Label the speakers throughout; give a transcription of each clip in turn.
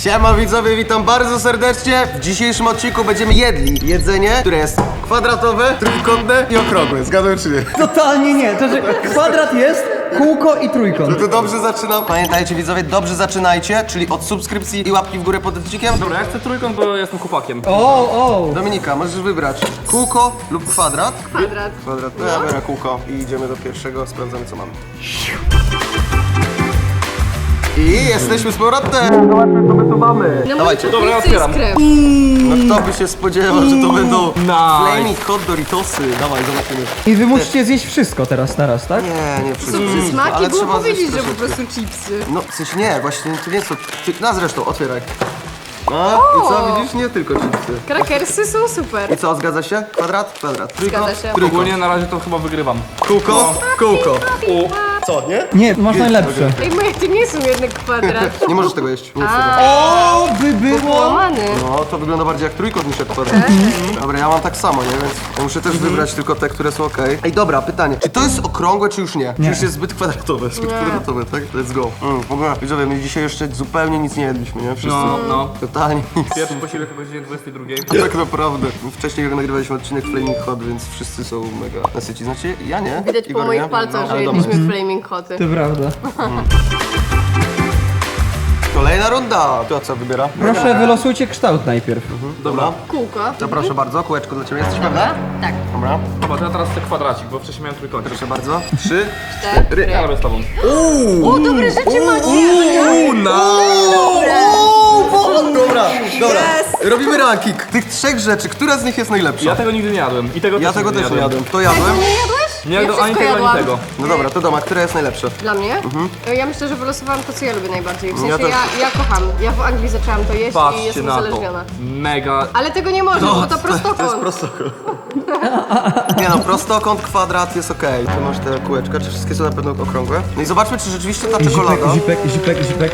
Speaker 1: Siema widzowie, witam bardzo serdecznie. W dzisiejszym odcinku będziemy jedli jedzenie, które jest kwadratowe, trójkątne i okrągłe. Zgadłem czy nie?
Speaker 2: Totalnie nie, to że kwadrat jest, kółko i trójkąt.
Speaker 1: To dobrze zaczynam. Pamiętajcie widzowie, dobrze zaczynajcie, czyli od subskrypcji i łapki w górę pod odcinkiem.
Speaker 3: Dobra, ja chcę trójkąt, bo jestem chłopakiem.
Speaker 2: O!
Speaker 1: Dominika, możesz wybrać kółko lub kwadrat.
Speaker 4: Kwadrat.
Speaker 1: Kwadrat, no ja biorę kółko i idziemy do pierwszego, sprawdzamy co mamy. I jesteśmy z powrotem! Zobaczmy co my tu mamy.
Speaker 4: No
Speaker 1: Dawajcie.
Speaker 3: Dobra, ja otwieram.
Speaker 1: No kto by się spodziewał, że to będą
Speaker 3: Nice.
Speaker 1: Flaming Hot Doritosy. Dawaj, zobaczymy.
Speaker 2: I wy musicie zjeść wszystko teraz, naraz, tak?
Speaker 1: Nie wszystko.
Speaker 4: Są przysmaki,
Speaker 1: Ale
Speaker 4: było
Speaker 1: trzeba
Speaker 4: powiedzieć,
Speaker 1: zjeść
Speaker 4: że po
Speaker 1: troszeczkę.
Speaker 4: prostu chipsy.
Speaker 1: No coś nie, właśnie to nie są. No zresztą, otwieraj. No i co, widzisz? Nie tylko chipsy.
Speaker 4: Krakersy są super.
Speaker 1: I co, zgadza się? Kwadrat? Kwadrat. Trójkąt?
Speaker 4: Zgadza się.
Speaker 1: Trójkąt.
Speaker 3: Ogólnie na razie to chyba wygrywam.
Speaker 1: Kółko? Kółko. Co, nie?
Speaker 2: Nie, masz najlepsze.
Speaker 4: Ej, moje to nie są jednak kwadrat.
Speaker 1: Nie możesz tego jeść. Nie jest tego.
Speaker 2: O, by było!
Speaker 4: Łamany.
Speaker 1: No, to wygląda bardziej jak trójkąt niż jak kwadrat. Dobra, ja mam tak samo, nie? Więc ja muszę też wybrać tylko te, które są okej. Ej, dobra, pytanie. Czy to jest okrągłe, czy już nie? Czy już jest zbyt kwadratowe? Zbyt kwadratowe, tak? Let's go. W ogóle, widzowie, my dzisiaj jeszcze zupełnie nic nie jedliśmy, nie? Wszyscy.
Speaker 3: No.
Speaker 1: Totalnie nic.
Speaker 3: Pierwszy posiłek o godzinie 22.
Speaker 1: Tak naprawdę. Wcześniej nagrywaliśmy odcinek Flaming Hot, więc wszyscy są mega nasyci. Znaczy, ja nie.
Speaker 4: Widać po
Speaker 1: Igor,
Speaker 4: moich
Speaker 1: nie?
Speaker 4: palcach, że
Speaker 1: Ale
Speaker 4: jedliśmy Flaming Hoty.
Speaker 2: To prawda.
Speaker 1: Kolejna runda. To co wybiera?
Speaker 2: Proszę, wylosujcie kształt najpierw.
Speaker 1: Dobra.
Speaker 4: Kółko.
Speaker 1: To proszę bardzo, kółeczko dla ciebie. Jesteś pewna?
Speaker 4: Tak.
Speaker 1: Dobra.
Speaker 3: Dobra, to ja teraz chcę kwadracik, bo wcześniej miałem trójkąt.
Speaker 1: Proszę bardzo. 3,
Speaker 4: Cztery.
Speaker 3: Ja robię z tobą.
Speaker 4: O, dobre rzeczy macie.
Speaker 1: Dobra. Robimy ranking. Tych trzech rzeczy, która z nich jest najlepsza?
Speaker 3: Ja tego nigdy nie jadłem. I tego
Speaker 1: Ja tego
Speaker 3: nigdy
Speaker 1: też nie jadłem. To jadłem.
Speaker 4: Nie jadłeś?
Speaker 3: Nie
Speaker 4: Ja
Speaker 3: jadłem ani
Speaker 4: wszystko
Speaker 3: tego, ani
Speaker 4: jadłam.
Speaker 3: tego.
Speaker 1: No dobra, to doma, która jest najlepsza?
Speaker 4: Dla mnie? Ja myślę, że wylosowałam to, co ja lubię najbardziej. W
Speaker 1: Ja
Speaker 4: sensie
Speaker 1: też.
Speaker 4: ja kocham. Ja w Anglii zaczęłam to jeść i
Speaker 3: Patrzcie
Speaker 4: jestem
Speaker 3: na to.
Speaker 4: uzależniona.
Speaker 3: Mega.
Speaker 4: Ale tego nie można, bo to prostokąt.
Speaker 1: prostokąt. Nie no, prostokąt, kwadrat jest okej. Tu masz te kółeczka, czy wszystkie są na pewno okrągłe? No i zobaczmy, czy rzeczywiście ta czekolada...
Speaker 2: Zipek.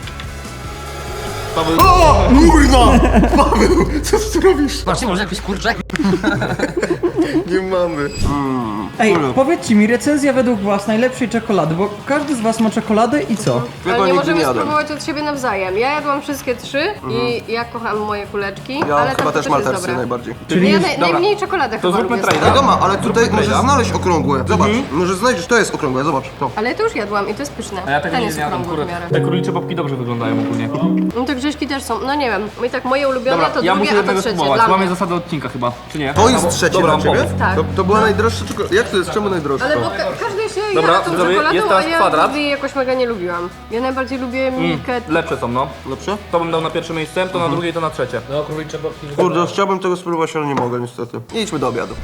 Speaker 1: O! Kurwa! Paweł, co ty robisz?
Speaker 3: Właśnie może jakieś kurcze?
Speaker 1: Nie mamy.
Speaker 2: Ej, powiedzcie mi, recenzja według was najlepszej czekolady, bo każdy z was ma czekoladę i co?
Speaker 1: Ja
Speaker 4: Ale nie
Speaker 1: nigdy
Speaker 4: możemy
Speaker 1: jadłem.
Speaker 4: spróbować od siebie nawzajem. Ja jadłam wszystkie trzy i ja kocham moje kuleczki,
Speaker 1: Ja
Speaker 4: ale
Speaker 1: chyba
Speaker 4: tam to
Speaker 1: też
Speaker 4: też jest
Speaker 1: maltersy
Speaker 4: dobre.
Speaker 1: najbardziej.
Speaker 2: Czyli
Speaker 4: Ja
Speaker 2: już-
Speaker 4: najmniej czekoladę
Speaker 3: To
Speaker 4: chyba
Speaker 3: zróbmy
Speaker 4: lubię.
Speaker 3: trade.
Speaker 1: Wiadomo, ale tutaj
Speaker 3: Zróbmy
Speaker 1: możesz
Speaker 3: trade'a.
Speaker 1: znaleźć okrągłe. Zobacz, możesz znaleźć, to jest okrągłe, zobacz. To.
Speaker 4: Ale to już jadłam i to jest pyszne.
Speaker 3: A ja tego
Speaker 4: Ten
Speaker 3: nigdy
Speaker 4: jest
Speaker 3: nie jadłem,
Speaker 4: okrągły w
Speaker 3: kurde.
Speaker 4: miarę.
Speaker 3: Te królicze babki dobrze wyglądają ogólnie.
Speaker 4: No te grześki też są, no nie wiem. I tak moje ulubione
Speaker 3: Dobra,
Speaker 4: to
Speaker 3: ja
Speaker 4: drugie,
Speaker 3: muszę
Speaker 4: a to
Speaker 3: jednego
Speaker 4: trzecie.
Speaker 3: spróbować.
Speaker 4: Dla
Speaker 3: Mamy
Speaker 4: mnie.
Speaker 3: zasadę odcinka chyba, czy nie?
Speaker 1: To jest trzecie
Speaker 3: Dobra,
Speaker 1: dla ciebie?
Speaker 3: pomysł.
Speaker 4: Tak.
Speaker 1: To była najdroższa czekolada. Jak to jest? Czemu najdroższa?
Speaker 4: Ale bo każdy się
Speaker 3: Dobra,
Speaker 4: jara tą
Speaker 3: widzowie,
Speaker 4: czekoladą,
Speaker 3: jest
Speaker 4: a
Speaker 3: teraz
Speaker 4: ja
Speaker 3: kwadrat.
Speaker 4: nigdy jej jakoś mega nie lubiłam. Ja najbardziej lubię Milkę.
Speaker 3: Lepsze są, no.
Speaker 1: Lepsze?
Speaker 3: To bym dał na pierwsze miejsce, to na drugie i to na trzecie. No, królicze babki.
Speaker 1: Kurde, chciałbym tego spróbować, ale nie mogę niestety. Nie idźmy do obiadu.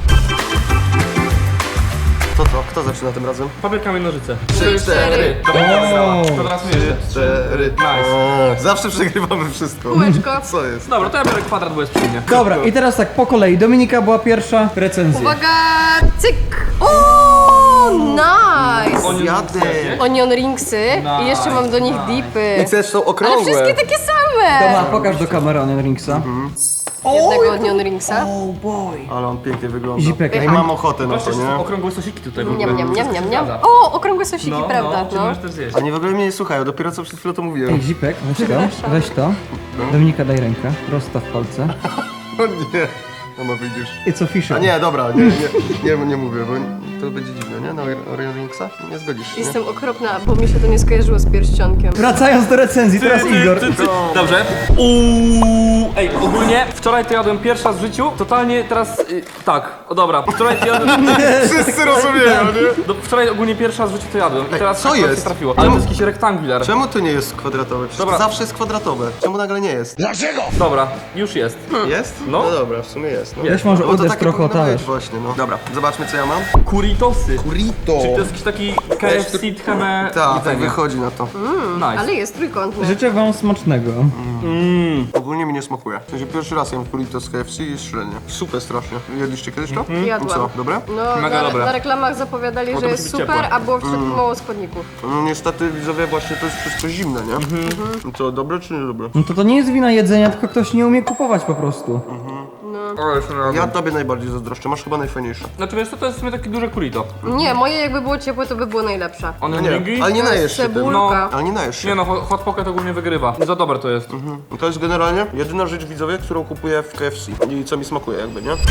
Speaker 1: To co? Kto zaczyna tym razem?
Speaker 3: Papier, kamień, nożyce.
Speaker 1: 3, 4.
Speaker 3: To teraz my.
Speaker 1: 4.
Speaker 3: Nice.
Speaker 1: Zawsze przegrywamy wszystko.
Speaker 4: Kółeczko.
Speaker 1: Co jest?
Speaker 3: Dobra, to ja biorę kwadrat, bo jest przy mnie.
Speaker 2: Dobra, i teraz tak, po kolei. Dominika była pierwsza, recenzja.
Speaker 4: Uwaga, cyk! O, nice!
Speaker 1: Zjadę.
Speaker 4: Onion ringsy i jeszcze mam do nich dipy.
Speaker 1: I też są
Speaker 4: Ale
Speaker 1: okrągłe.
Speaker 4: wszystkie takie same!
Speaker 2: Dobra, pokaż do kamery Onion Ringsa.
Speaker 4: Jednego onion ringsa.
Speaker 1: Ale on pięknie wygląda.
Speaker 2: Zipek.
Speaker 1: Ej, mam ochotę na to,
Speaker 3: Patrzcie, są
Speaker 1: nie?
Speaker 3: okrągłe sosiki tutaj w ogóle.
Speaker 4: Niam, niam, niam, niam, niam.
Speaker 3: Zgadza.
Speaker 4: O, okrągłe sosiki,
Speaker 3: No,
Speaker 4: prawda?
Speaker 3: no, czy możesz też zjeść.
Speaker 1: Oni w ogóle mnie nie słuchają, dopiero co przed chwilą to mówiłem.
Speaker 2: Ej, Zipek, weź to. Dominika, daj rękę. Rozstaw palce.
Speaker 1: O nie. No ma wyjdziesz.
Speaker 2: It's
Speaker 1: A
Speaker 2: official.
Speaker 1: nie, dobra, nie mówię, bo to będzie dziwne, nie? Na Orion Linksa? Nie zgodzisz się, nie?
Speaker 4: Jestem okropna, bo mi się to nie skojarzyło z pierścionkiem.
Speaker 2: Wracając do recenzji, teraz Igor.
Speaker 3: Dobrze. Ej, ogólnie wczoraj to jadłem pierwszy raz w życiu. Totalnie teraz, tak, o dobra. Wczoraj to jadłem,
Speaker 1: Wszyscy rozumieją, nie?
Speaker 3: wczoraj ogólnie pierwszy raz w życiu to jadłem. I teraz
Speaker 1: co
Speaker 3: akurat się
Speaker 1: jest?
Speaker 3: trafiło. Ale to jest jakiś rektangular.
Speaker 1: Czemu to nie jest kwadratowe? Przecież
Speaker 3: Dobra.
Speaker 1: to zawsze jest kwadratowe. Czemu nagle nie jest?
Speaker 3: Dobra, już jest.
Speaker 1: Jest?
Speaker 3: No.
Speaker 1: No dobra, w sumie jest. No.
Speaker 2: Weź może
Speaker 1: Bo to
Speaker 2: uderz
Speaker 1: takie
Speaker 2: trochę o
Speaker 1: powinno być
Speaker 2: talerz.
Speaker 1: właśnie, no. Dobra, zobaczmy co ja mam.
Speaker 3: Kuritosy.
Speaker 1: Burrito.
Speaker 3: Czyli to jest jakiś taki KFC tcheme
Speaker 1: Tak, tak
Speaker 3: jedzenie.
Speaker 1: wychodzi na to.
Speaker 3: Nice.
Speaker 4: Ale jest trójkątny.
Speaker 2: Życzę wam smacznego.
Speaker 1: Ogólnie mi nie smakuje. W sensie pierwszy raz jem burrito z KFC i jest średnie. Super strasznie. Jedliście kiedyś to?
Speaker 4: Jadłam.
Speaker 1: I co, dobre?
Speaker 4: No,
Speaker 3: Mega dobre.
Speaker 4: na reklamach zapowiadali,
Speaker 3: to
Speaker 4: że
Speaker 3: musi
Speaker 4: jest
Speaker 3: być
Speaker 4: super,
Speaker 3: ciepłe.
Speaker 4: a było w środku mało składników.
Speaker 1: No niestety widzowie właśnie to jest wszystko zimne, nie? I co, dobre czy nie dobre?
Speaker 2: No to nie jest wina jedzenia, tylko ktoś nie umie kupować po prostu.
Speaker 3: O, jeszcze raz.
Speaker 1: Ja tobie najbardziej zazdroszczę, masz chyba najfajniejsze.
Speaker 3: Znaczy wiesz co, to jest w sumie takie duże kurito.
Speaker 4: Nie, moje jakby było ciepłe, to by było najlepsze.
Speaker 3: One
Speaker 1: Nie,
Speaker 3: ringi?
Speaker 1: ale nie
Speaker 4: To jest
Speaker 1: najesz się tym.
Speaker 4: cebulka.
Speaker 1: Ale nie najesz się.
Speaker 3: Nie no, hot pocket ogólnie wygrywa. Za dobre to jest.
Speaker 1: To jest generalnie jedyna rzecz, widzowie, którą kupuję w KFC i co mi smakuje jakby, nie?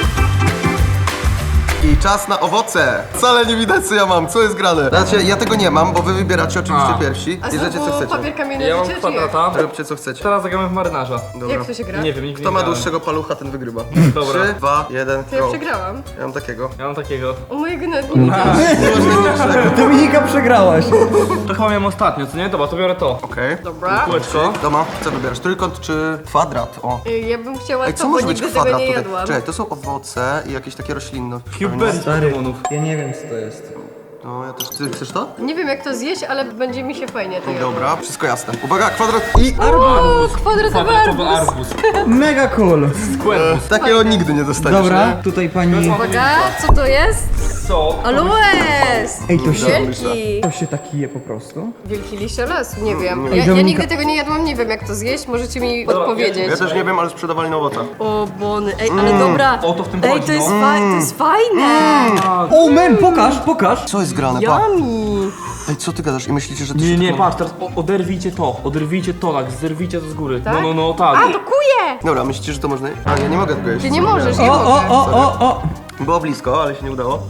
Speaker 1: I czas na owoce! Wcale nie widać co ja mam, co jest grane. Znaczy, ja tego nie mam, bo wy wybieracie oczywiście
Speaker 3: A.
Speaker 1: pierwsi.
Speaker 4: A
Speaker 1: Bierzecie co
Speaker 4: znowu
Speaker 1: chcecie.
Speaker 4: papier kamienny
Speaker 3: Ja mam
Speaker 4: życie, czy jak?
Speaker 3: kwadrata.
Speaker 1: Róbcie co chcecie.
Speaker 3: Teraz zagramy w marynarza.
Speaker 1: Dobra.
Speaker 4: Jak to się gra?
Speaker 3: Nie wiem, nigdy
Speaker 1: Kto
Speaker 3: nie
Speaker 1: ma
Speaker 3: grałem.
Speaker 1: dłuższego palucha, ten wygrywa.
Speaker 3: Dobra.
Speaker 1: 3, 2, 1,
Speaker 4: To ja
Speaker 1: go.
Speaker 4: przegrałam.
Speaker 1: Ja mam takiego.
Speaker 3: Ja mam takiego.
Speaker 4: O mojego nawet nie widziałam.
Speaker 2: Dominika przegrałaś.
Speaker 3: To chyba miałem ostatnio, co nie? Dobra, to biorę to.
Speaker 1: Okej.
Speaker 4: Dobra.
Speaker 3: Kółeczko.
Speaker 1: Doma, co wybierasz? Trójkąt czy kwadrat? O.
Speaker 4: Ja bym chciała
Speaker 1: Ej,
Speaker 4: to,
Speaker 1: co
Speaker 4: bo
Speaker 1: może być
Speaker 4: nigdy tego
Speaker 1: kwadrat
Speaker 4: nie
Speaker 1: tutaj?
Speaker 4: jadłam.
Speaker 1: Czekaj, to są owoce i jakieś takie roślinne.
Speaker 3: Cubeberry demonów.
Speaker 2: Ja nie wiem co to jest.
Speaker 1: No, ja też. Ty chcesz to?
Speaker 4: Nie wiem jak to zjeść, ale będzie mi się fajnie to jadło.
Speaker 1: Dobra, wszystko jasne. Uwaga, kwadrat i...
Speaker 4: O, kwadratowy
Speaker 3: Kwadratowy
Speaker 4: arbuz.
Speaker 3: arbuz.
Speaker 2: Mega cool.
Speaker 3: Squarebus.
Speaker 1: Takiego nigdy nie dostaniesz,
Speaker 2: Dobra,
Speaker 1: nie?
Speaker 2: tutaj pani...
Speaker 4: Uwaga, co to jest?
Speaker 3: Co?
Speaker 4: Aloes!
Speaker 2: Ej, to się,
Speaker 4: Wielki!
Speaker 2: to się taki je po prostu?
Speaker 4: Wielki liście lasu, nie wiem.
Speaker 2: Ej,
Speaker 4: Ja
Speaker 2: Dominika-
Speaker 4: nigdy tego nie jadłam, nie wiem jak to zjeść, możecie mi odpowiedzieć.
Speaker 1: Ja też nie wiem, ale sprzedawali na owocach.
Speaker 4: O bony, ej, ale dobra.
Speaker 3: O, to w tym
Speaker 4: Ej,
Speaker 3: chodzi,
Speaker 4: to jest,
Speaker 3: no.
Speaker 4: to jest fajne!
Speaker 2: O man, pokaż!
Speaker 1: Co jest grane, pa?
Speaker 4: Yummy!
Speaker 1: Ej, co ty gadasz? I myślicie, że to
Speaker 3: Nie,
Speaker 1: się
Speaker 3: nie,
Speaker 1: tylko-
Speaker 3: patrz, teraz oderwijcie to, tak, zerwijcie to z góry.
Speaker 4: Tak?
Speaker 3: No, tak.
Speaker 4: A, to kuje!
Speaker 1: Dobra, myślicie, że to można? A, ja nie mogę tego jeść.
Speaker 4: Ty nie możesz,
Speaker 1: Nie.
Speaker 4: nie
Speaker 2: O,
Speaker 4: mogę.
Speaker 2: o!
Speaker 1: Było blisko, ale się nie udało.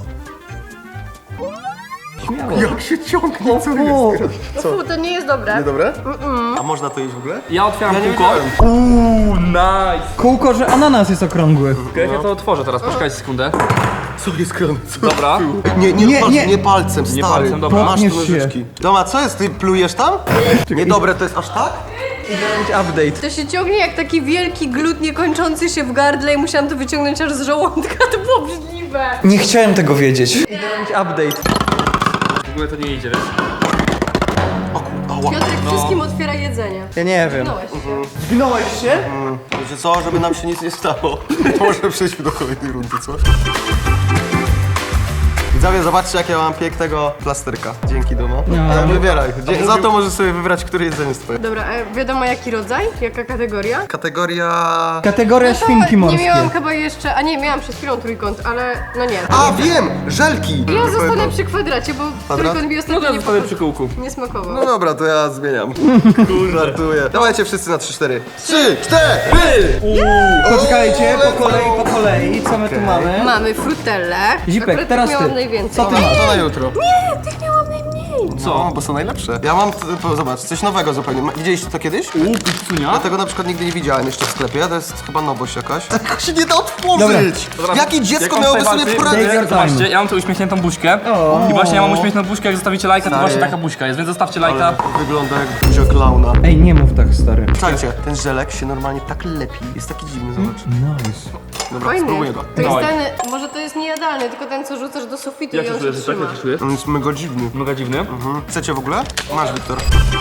Speaker 2: Śmiało.
Speaker 1: Jak się ciągnie, co
Speaker 2: O,
Speaker 4: No fu, to nie jest dobre.
Speaker 1: Niedobre? A można to jeść w ogóle?
Speaker 3: Ja otwieram
Speaker 1: Ja nie
Speaker 3: kółko.
Speaker 1: wiedziałem.
Speaker 3: Nice.
Speaker 2: Kółko, że ananas jest okrągły.
Speaker 3: Okej, ja to otworzę teraz, poczekajcie sekundę.
Speaker 1: Co jest grane? Co?
Speaker 3: Dobra.
Speaker 1: Nie palcem, stary.
Speaker 3: palcem, dobra.
Speaker 1: Masz tu
Speaker 2: Podnieś się.
Speaker 1: nożyczki. Doma, co jest? Ty plujesz tam? Niedobre to jest aż tak?
Speaker 2: Update.
Speaker 4: To się ciągnie jak taki wielki glut niekończący się w gardle i musiałam to wyciągnąć aż z żołądka, to było obrzydliwe.
Speaker 2: Nie chciałem tego wiedzieć. Update.
Speaker 3: W ogóle to nie idzie, wiesz?
Speaker 1: Ała.
Speaker 4: Piotrek wszystkim otwiera jedzenie.
Speaker 2: Ja nie wiem.
Speaker 4: Znałeś się.
Speaker 2: Zgnąłeś się?
Speaker 1: Wiecie co, żeby nam się nic nie stało. Może przejdźmy do kolejnej rundy, co? Widzowie, zobaczcie jak ja mam pięknego plasterka. Dzięki, Domo. Ale wybieraj. Za to możesz sobie wybrać, które jedzenie jest twoje.
Speaker 4: Dobra, wiadomo jaki rodzaj? Jaka kategoria?
Speaker 1: Kategoria...
Speaker 2: Kategoria świnki
Speaker 4: nie
Speaker 2: morskie.
Speaker 4: miałam chyba jeszcze, a nie, miałam przed chwilą trójkąt, ale no nie.
Speaker 1: A, wiem! Żelki!
Speaker 4: Ja zostanę przy kwadracie, bo trójkąt mi
Speaker 3: No
Speaker 4: ostatnio
Speaker 3: to
Speaker 4: nie,
Speaker 3: zostanę przy kółku.
Speaker 4: nie smakował.
Speaker 1: No dobra, to ja zmieniam. Żartuję. Dawajcie wszyscy na 3-4. 3, 4!
Speaker 2: Poczekajcie, po kolei, co my tu mamy?
Speaker 4: Mamy frutelle.
Speaker 2: Zipek,
Speaker 4: Akurat
Speaker 2: teraz
Speaker 4: tych
Speaker 2: ty.
Speaker 4: miałam najwięcej.
Speaker 2: Co ty masz?
Speaker 1: To na jutro.
Speaker 4: Nie, tych miałam najmniej.
Speaker 1: Co? Bo są najlepsze. Ja mam, zobacz, coś nowego zupełnie. Widzieliście to kiedyś?
Speaker 3: Pizzunia?
Speaker 1: Ja tego na przykład nigdy nie widziałem jeszcze w sklepie, to jest chyba nowość jakaś. Tego się nie da otworzyć!
Speaker 3: Dobra.
Speaker 1: Jakie dziecko
Speaker 3: Jak on
Speaker 1: miałoby
Speaker 3: tutaj
Speaker 1: sobie
Speaker 3: walczy,
Speaker 2: Take
Speaker 1: poradzić?
Speaker 2: your time.
Speaker 3: Zobaczcie, ja mam tu uśmiechniętą buźkę. I właśnie ja mam uśmiechniętą buźkę, jak zostawicie lajka, to
Speaker 1: Stary.
Speaker 3: właśnie taka buźka jest, więc zostawcie lajka.
Speaker 1: Wygląda jak buzia klauna.
Speaker 2: Ej, nie mów tak, stary.
Speaker 1: Słuchajcie, ten żelek się normalnie tak lepi. Jest taki dziwny, zobacz.
Speaker 2: Nice.
Speaker 1: Dobra,
Speaker 4: Fajny.
Speaker 1: spróbuję go.
Speaker 4: To jest
Speaker 3: Dawaj.
Speaker 4: ten, może to jest niejadalny, tylko ten co rzucasz do sufitu
Speaker 3: Jak
Speaker 4: i
Speaker 3: się
Speaker 4: on się
Speaker 3: czujesz, tak?
Speaker 4: trzyma.
Speaker 3: Jak się czujesz?
Speaker 1: On jest mega dziwny.
Speaker 3: Mega dziwny.
Speaker 1: Chcecie w ogóle? Masz, Wiktor.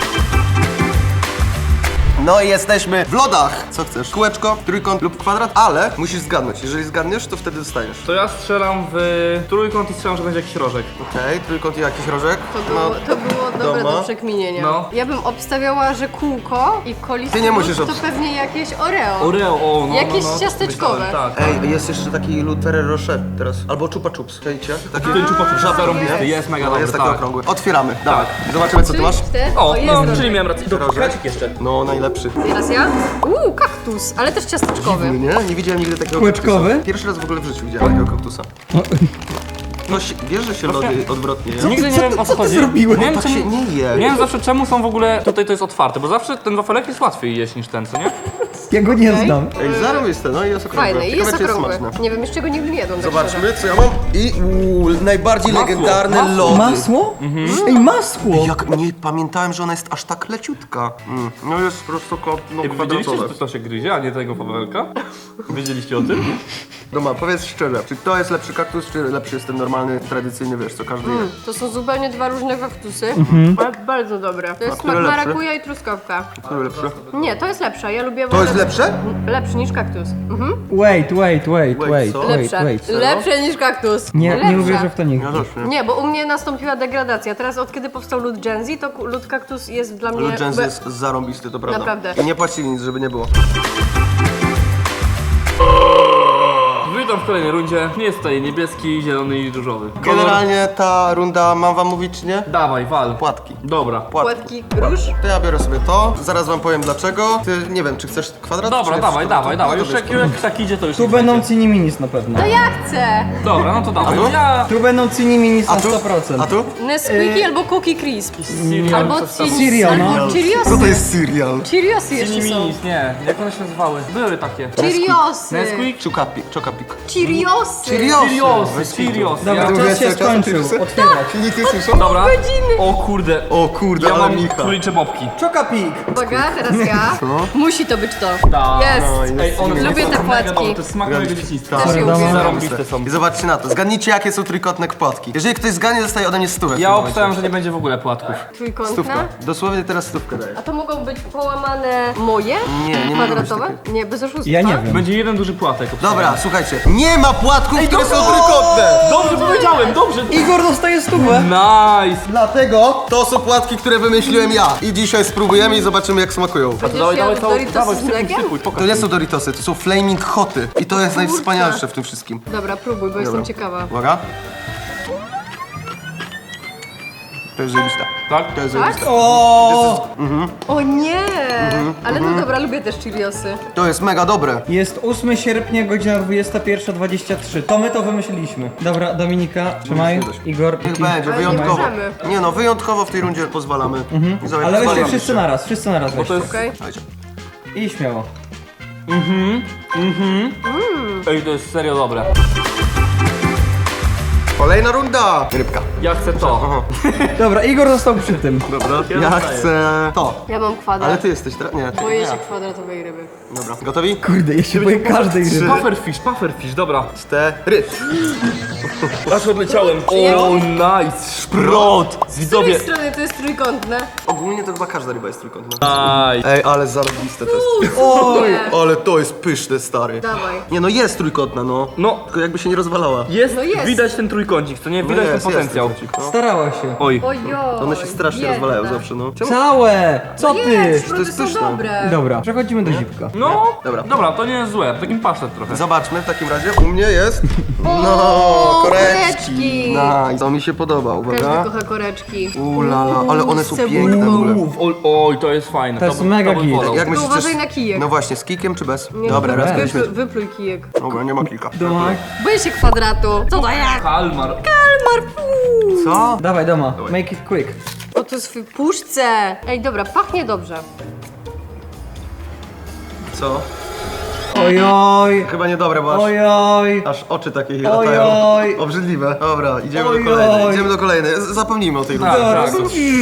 Speaker 1: No i jesteśmy w lodach. Co chcesz? Kółeczko, trójkąt lub kwadrat, ale musisz zgadnąć. Jeżeli zgadniesz, to wtedy dostajesz.
Speaker 3: To ja strzelam w trójkąt i strzelam, że będzie jakiś rożek.
Speaker 1: Okej, trójkąt i jakiś rożek.
Speaker 4: To było dobre
Speaker 1: Doma.
Speaker 4: do przekminienia.
Speaker 3: No.
Speaker 4: Ja bym obstawiała, że kółko i kolis
Speaker 1: Ty nie musisz
Speaker 4: to
Speaker 1: obstawiać.
Speaker 4: pewnie jakieś Oreo.
Speaker 3: Oreo, o no.
Speaker 4: Jakieś
Speaker 3: no, no.
Speaker 4: ciasteczkowe.
Speaker 3: Myślałem, Tak.
Speaker 1: Ej, jest jeszcze taki lód Ferrero Rocher teraz. Albo Chupa Chups. Czajcie? Taki
Speaker 3: Ten czupa
Speaker 1: żaby
Speaker 3: zarąbisty, jest mega
Speaker 1: No,
Speaker 3: dobry,
Speaker 1: jest taki
Speaker 3: tak.
Speaker 1: okrągły. Otwieramy. Dawaj. Zobaczymy co ty
Speaker 4: Czyli
Speaker 1: masz.
Speaker 4: ty?
Speaker 3: O,
Speaker 4: jest
Speaker 3: no,
Speaker 4: rożek.
Speaker 3: czyli miałem rację. Dobra,
Speaker 1: Rożek?
Speaker 3: krecik jeszcze.
Speaker 1: No, najlepszy.
Speaker 4: Teraz ja? Kaktus, ale też ciasteczkowy.
Speaker 1: Nie? Nie widziałem nigdy takiego
Speaker 2: Kółeczkowy?
Speaker 1: kaktusa. Pierwszy raz w ogóle w życiu widziałem takiego kaktusa. No, wiesz, że się lody odwrotnie je?
Speaker 3: Nigdy nie wiem o co chodzi.
Speaker 2: zrobiłeś?
Speaker 3: Nie wiem,
Speaker 1: Tak się
Speaker 3: czemu,
Speaker 1: nie je.
Speaker 3: nie wiem zawsze czemu są w ogóle tutaj to jest otwarte, bo zawsze ten wafelek jest łatwiej jeść niż ten, co nie?
Speaker 2: Ja go nie
Speaker 4: Okej.
Speaker 2: znam.
Speaker 1: Ej, zarąbiste, no i jest okrągłe.
Speaker 4: Fajny i
Speaker 1: Ciekawe,
Speaker 4: jest
Speaker 1: czy
Speaker 4: okrągły.
Speaker 1: smaczne.
Speaker 4: Nie wiem, jeszcze go nigdy nie jadłam. tak szczerze.
Speaker 1: Zobaczmy, co ja mam. I najbardziej
Speaker 3: Masło,
Speaker 1: legendarne
Speaker 3: masło.
Speaker 1: lody.
Speaker 2: Masło? Ej, masło!
Speaker 1: Jak nie pamiętałem, że ona jest aż tak leciutka. No jest prosto no,
Speaker 3: Ej, wy wiedzieliście, że
Speaker 1: kwadratowe.
Speaker 3: to się gryzie, a nie tego wafelka? Wiedzieliście o tym?
Speaker 1: Doma, powiedz szczerze, czy to jest lepszy kaktus, czy lepszy jest ten normalny, tradycyjny, wiesz, co każdy je?
Speaker 4: To są zupełnie dwa różne kaktusy, ale bardzo dobre. To jest
Speaker 1: które
Speaker 4: smak
Speaker 1: lepsze?
Speaker 4: marakuja i truskawka.
Speaker 1: Który lepszy?
Speaker 4: Nie, to jest lepsze. Ja lubię
Speaker 1: To jest lepsze?
Speaker 4: Lepszy niż kaktus.
Speaker 2: Wait,
Speaker 1: co?
Speaker 4: Lepsze. Lepsze niż kaktus.
Speaker 2: Nie
Speaker 4: Lepsze.
Speaker 2: uwierzę w to nigdy.
Speaker 1: Ja też nie.
Speaker 4: Nie, bo u mnie nastąpiła degradacja. Teraz od kiedy powstał lód Gen Z, to lód kaktus jest dla mnie...
Speaker 1: Lud Jens jest zarąbisty, to prawda.
Speaker 4: Naprawdę.
Speaker 1: I nie płacili nic, żeby nie było.
Speaker 3: Witam w kolejnej rundzie. Jest tutaj niebieski, zielony i różowy. Kolor...
Speaker 1: Generalnie ta runda, mam wam mówić czy nie?
Speaker 3: Dawaj, wal.
Speaker 1: Płatki.
Speaker 3: Dobra.
Speaker 4: Płatki róż.
Speaker 1: To ja biorę sobie to, zaraz wam powiem dlaczego. Ty, nie wiem, czy chcesz kwadrat?
Speaker 3: Dobra,
Speaker 1: czy
Speaker 3: dawaj,
Speaker 1: nie?
Speaker 3: dawaj,
Speaker 1: To-
Speaker 3: dawaj.
Speaker 1: to
Speaker 3: Już
Speaker 1: wiesz,
Speaker 3: jak tak idzie, to już
Speaker 2: Tu
Speaker 3: nic
Speaker 2: będą
Speaker 3: będzie.
Speaker 2: Ciniminis na pewno.
Speaker 4: To ja chcę.
Speaker 3: Dobra, no to dawaj.
Speaker 1: tu?
Speaker 3: Ja...
Speaker 2: Tu będą Ciniminis na
Speaker 1: A tu?
Speaker 2: 100%.
Speaker 1: A tu?
Speaker 4: Nesquiki albo Cookie Crisp.
Speaker 3: Cereal,
Speaker 4: Albo
Speaker 3: coś tam.
Speaker 2: Cereal, no.
Speaker 4: Albo Cheeriosy.
Speaker 1: Co to jest cereal?
Speaker 4: Cheeriosy jeszcze są.
Speaker 3: Ciniminis, nie. Jak one się nazywały? Były takie.
Speaker 4: Cheeriosy.
Speaker 3: Nesquik?
Speaker 1: Czokapik.
Speaker 4: Cheeriosy.
Speaker 3: Cheeriosy, Cheeriosy.
Speaker 2: Dobra,
Speaker 3: Ja...
Speaker 2: czas się skończył. Otwierać.
Speaker 1: Filipy słyszą?
Speaker 3: Dobra.
Speaker 4: godziny.
Speaker 3: O kurde.
Speaker 1: O kurde,
Speaker 3: Ja
Speaker 1: ale
Speaker 3: mam
Speaker 1: Micha.
Speaker 3: królicze bobki.
Speaker 2: Czokapik.
Speaker 4: Uwaga, teraz ja. Musi to być to.
Speaker 3: Tak.
Speaker 4: Jest.
Speaker 3: Ej, one
Speaker 4: Lubię
Speaker 3: są
Speaker 4: te
Speaker 3: mega
Speaker 4: płatki.
Speaker 3: dobre, to jest smak mojego dzieciństwa.
Speaker 4: Też je
Speaker 2: Dobra,
Speaker 4: lubię.
Speaker 3: Zarąbiste są.
Speaker 1: I zobaczcie na to. Zgadnijcie, jakie są trójkątne płatki. Jeżeli ktoś zgadnie, dostaje ode mnie stówę. w
Speaker 3: Ja
Speaker 1: tym momencie.
Speaker 3: obstałem, że nie będzie w ogóle płatków.
Speaker 4: Trójkątna.
Speaker 1: Stówka. Dosłownie teraz stówkę daję.
Speaker 4: A to mogą być połamane moje?
Speaker 1: Nie mogą być
Speaker 4: Kwadratowe? Nie, bez oszustwa.
Speaker 2: Ja nie wiem.
Speaker 3: Będzie jeden duży płatek.
Speaker 1: Dobra, słuchajcie. Nie ma płatków, które są trójkątne!
Speaker 3: Dobrze powiedziałem, dobrze.
Speaker 2: Igor dostaje stówę.
Speaker 3: Nice.
Speaker 1: Dlatego to są płatki, które wymyśliłem ja. I dzisiaj spróbujemy i zobaczymy, jak smakują.
Speaker 4: Będziesz
Speaker 3: Dawaj,
Speaker 4: jadł
Speaker 3: dawaj,
Speaker 4: Doritosy
Speaker 3: dawaj,
Speaker 4: z
Speaker 3: sypuj,
Speaker 4: mlekiem?
Speaker 3: sypuj,
Speaker 1: To
Speaker 3: pokaż.
Speaker 1: nie są Doritosy, to są Flaming Hoty. I to jest najwspanialsze w tym wszystkim.
Speaker 4: Dobra, próbuj, bo jestem ciekawa.
Speaker 1: Uwaga. To jest zajebiste.
Speaker 3: Tak?
Speaker 1: To jest
Speaker 4: Tak?
Speaker 1: zajebiste.
Speaker 2: O,
Speaker 4: O nie! Ale no dobra, lubię też Cheeriosy.
Speaker 1: To jest mega dobre.
Speaker 2: Jest 8 sierpnia, godzina 21:23. To my to wymyśliliśmy. Dobra, Dominika, trzymaj. Igor,
Speaker 1: Niech
Speaker 2: Iki.
Speaker 1: będzie,
Speaker 4: Ale
Speaker 1: wyjątkowo.
Speaker 4: nie możemy.
Speaker 1: Nie no, wyjątkowo w tej rundzie pozwalamy. I zobacz,
Speaker 2: Ale weźcie
Speaker 1: pozwalamy
Speaker 2: wszyscy
Speaker 1: się.
Speaker 2: naraz, wszyscy naraz
Speaker 3: to
Speaker 2: weźcie.
Speaker 3: jest...
Speaker 4: Okej?
Speaker 1: Słuchajcie.
Speaker 2: I śmiało.
Speaker 3: Ej, to jest serio dobre.
Speaker 1: Kolejna runda. Rybka.
Speaker 3: Ja chcę to.
Speaker 2: Dobra, Igor został przy tym.
Speaker 1: Dobra.
Speaker 3: Ja
Speaker 1: Ja
Speaker 3: dostaję.
Speaker 1: chcę to.
Speaker 4: Ja mam kwadrat.
Speaker 1: Ale ty jesteś teraz? Nie, ty.
Speaker 4: Boję
Speaker 1: Ja.
Speaker 4: się kwadratowej ryby.
Speaker 1: Dobra. Gotowi?
Speaker 2: Kurde, ja się boję każdej ryby.
Speaker 3: Pufferfish, dobra.
Speaker 1: 4.
Speaker 3: Aż odleciałem. O, nice. Szprot.
Speaker 4: Z
Speaker 3: Widzowie.
Speaker 4: której strony to jest trójkątne?
Speaker 1: Ogólnie to chyba każda ryba jest trójkątna.
Speaker 3: Nice.
Speaker 1: Ej, ale zarobiste to jest.
Speaker 4: Nie.
Speaker 1: Ale to jest pyszne, stary.
Speaker 4: Dawaj.
Speaker 1: Nie no, jest trójkątna, no.
Speaker 3: No,
Speaker 1: Tylko jakby się nie rozwalała.
Speaker 3: jest,
Speaker 4: No jest.
Speaker 3: widać ten trójkącik, co nie? Widać
Speaker 1: jest,
Speaker 3: ten potencjał.
Speaker 1: jest trójkącik, no.
Speaker 2: Starała się.
Speaker 3: Oj.
Speaker 4: Ojoj.
Speaker 1: One się strasznie
Speaker 4: biedna.
Speaker 1: rozwalają zawsze, no. Czemu?
Speaker 2: Całe! Co ty?
Speaker 4: Jest,
Speaker 1: To jest
Speaker 4: szproty są
Speaker 1: pyszne.
Speaker 4: dobre.
Speaker 2: Dobra, przechodzimy do zipka.
Speaker 3: No,
Speaker 1: Dobra.
Speaker 3: dobra, to nie jest złe. Takim pasztet trochę.
Speaker 1: Zobaczmy w takim razie. U mnie jest. No,
Speaker 4: O,
Speaker 1: koreczki.
Speaker 4: koreczki.
Speaker 1: Nice. To mi się podoba,
Speaker 4: Każdy
Speaker 1: uwaga.
Speaker 4: kocha koreczki.
Speaker 1: Ulala, ale one są
Speaker 4: z cebulką.
Speaker 1: piękne w ogóle.
Speaker 3: Oj, to jest fajne.
Speaker 2: To jest
Speaker 3: bym-
Speaker 2: mega
Speaker 3: bym
Speaker 2: git.
Speaker 3: wolał.
Speaker 1: Jak
Speaker 4: Tylko
Speaker 1: myślisz,
Speaker 4: uważaj na kijek.
Speaker 1: No właśnie, z kikiem czy bez?
Speaker 4: Nie,
Speaker 1: Dobra, raz
Speaker 2: bez.
Speaker 1: weźmy.
Speaker 4: Wypluj kijek.
Speaker 1: Dobra, nie ma kika.
Speaker 2: Doma.
Speaker 4: Boję się kwadratu. Co to jak?
Speaker 3: Kalmar.
Speaker 4: Kalmar, fuu.
Speaker 1: Co?
Speaker 2: Dawaj, Doma. Make it quick.
Speaker 4: O, to jest w puszce. Ej, dobra, pachnie dobrze.
Speaker 1: Co?
Speaker 2: Ojoj.
Speaker 1: Chyba niedobre, bo aż,
Speaker 2: Ojoj.
Speaker 1: aż oczy takie
Speaker 2: Oj,
Speaker 1: latają.
Speaker 2: oj.
Speaker 1: Obrzydliwe. Dobra, idziemy
Speaker 2: Oj,
Speaker 1: do kolejnej.
Speaker 2: oj.
Speaker 1: Idziemy do kolejnej. Zapomnijmy o tej rundzie.
Speaker 3: Tak, tak.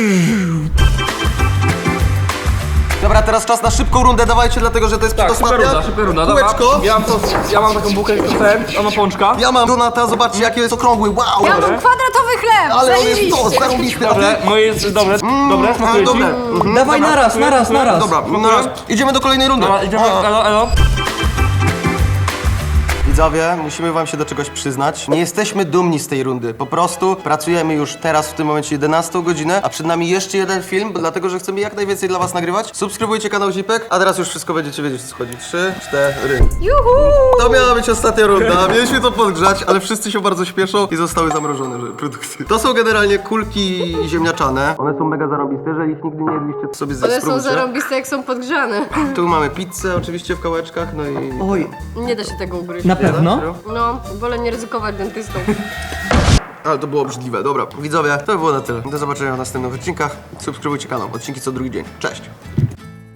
Speaker 1: Dobra, teraz czas na szybką rundę, dawajcie, dlatego że to jest
Speaker 3: Tak, szybka
Speaker 1: przedostatnia.
Speaker 3: runda, szybka runda. Dobra.
Speaker 1: Kółeczko.
Speaker 3: Ja mam taką bułkę, jak chcę. Ona ma pączka.
Speaker 1: Ja mam Donata, zobaczcie jaki jest okrągły, wow!
Speaker 4: Ja mam kwadratowy chleb.
Speaker 1: Ale on jest to,
Speaker 4: Zajebiście.
Speaker 1: zarąbisty, a ty?
Speaker 3: Dobre, moje jest dobre. Dobre, smakuje ci?
Speaker 1: dobre.
Speaker 2: Dawaj naraz, naraz, naraz.
Speaker 1: Dobra, na raz. Idziemy do kolejnej rundy.
Speaker 3: Dobra, idziemy,
Speaker 1: A.
Speaker 3: elo, elo.
Speaker 1: Widzowie, musimy wam się do czegoś przyznać. Nie jesteśmy dumni z tej rundy. Po prostu pracujemy już teraz w tym momencie 11 godzinę, a przed nami jeszcze jeden film, dlatego że chcemy jak najwięcej dla was nagrywać. Subskrybujcie kanał Zipek, a teraz już wszystko będziecie wiedzieć, o co chodzi. 3, 4.
Speaker 4: Juhu.
Speaker 1: To miała być ostatnia runda. Mieliśmy to podgrzać, ale wszyscy się bardzo śpieszą i zostały zamrożone produkty. To są generalnie kulki ziemniaczane. One są mega zarobiste, jeżeli ich nigdy nie jedliście, to sobie
Speaker 4: One są
Speaker 1: spróbujcie.
Speaker 4: zarąbiste, jak są podgrzane.
Speaker 1: Tu mamy pizzę oczywiście w kawałeczkach, no i...
Speaker 2: Oj.
Speaker 4: Nie da się tego ugryźć.
Speaker 2: Na pewno?
Speaker 1: Serio?
Speaker 4: No, wolę nie ryzykować dentystą.
Speaker 1: Ale to było obrzydliwe. Dobra, widzowie, to by było na tyle. Do zobaczenia w następnych odcinkach. Subskrybujcie kanał. Odcinki co drugi dzień. Cześć!